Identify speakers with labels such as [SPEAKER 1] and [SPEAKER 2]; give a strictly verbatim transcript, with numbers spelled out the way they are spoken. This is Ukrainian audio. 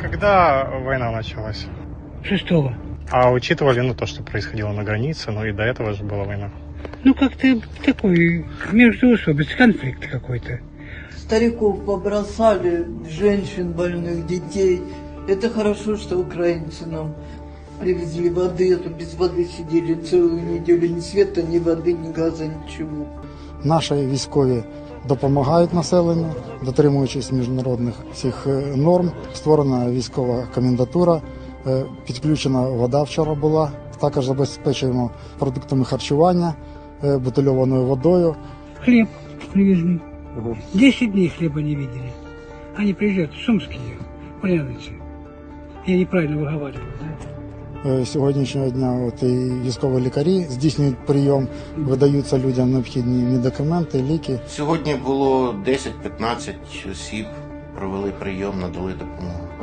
[SPEAKER 1] Когда война началась?
[SPEAKER 2] Шестого.
[SPEAKER 1] А учитывали, ну, то, что происходило на границе, ну, и до этого же была война.
[SPEAKER 2] Ну, как-то такой междоусобиц, конфликт какой-то.
[SPEAKER 3] Стариков побросали, женщин, больных, детей. Это хорошо, что украинцы нам привезли воды, а то без воды сидели целую неделю. Ни света, ни воды, ни газа, ничего.
[SPEAKER 4] Наші військові допомагають населенню, дотримуючись міжнародних всіх норм. Створена військова комендатура, підключена вода вчора була. Також забезпечуємо продуктами харчування, бутильованою водою.
[SPEAKER 2] Хлеб привезли. Десять дней хлеба не видели. Они приезжают, сумские, полянцы. Я неправильно выговариваю, да?
[SPEAKER 4] Сьогоднішнього дня от і військові лікарі здійснюють прийом, видаються людям необхідні медикаменти, ліки.
[SPEAKER 5] Сьогодні було десять-п'ятнадцять осіб, провели прийом, надали допомогу.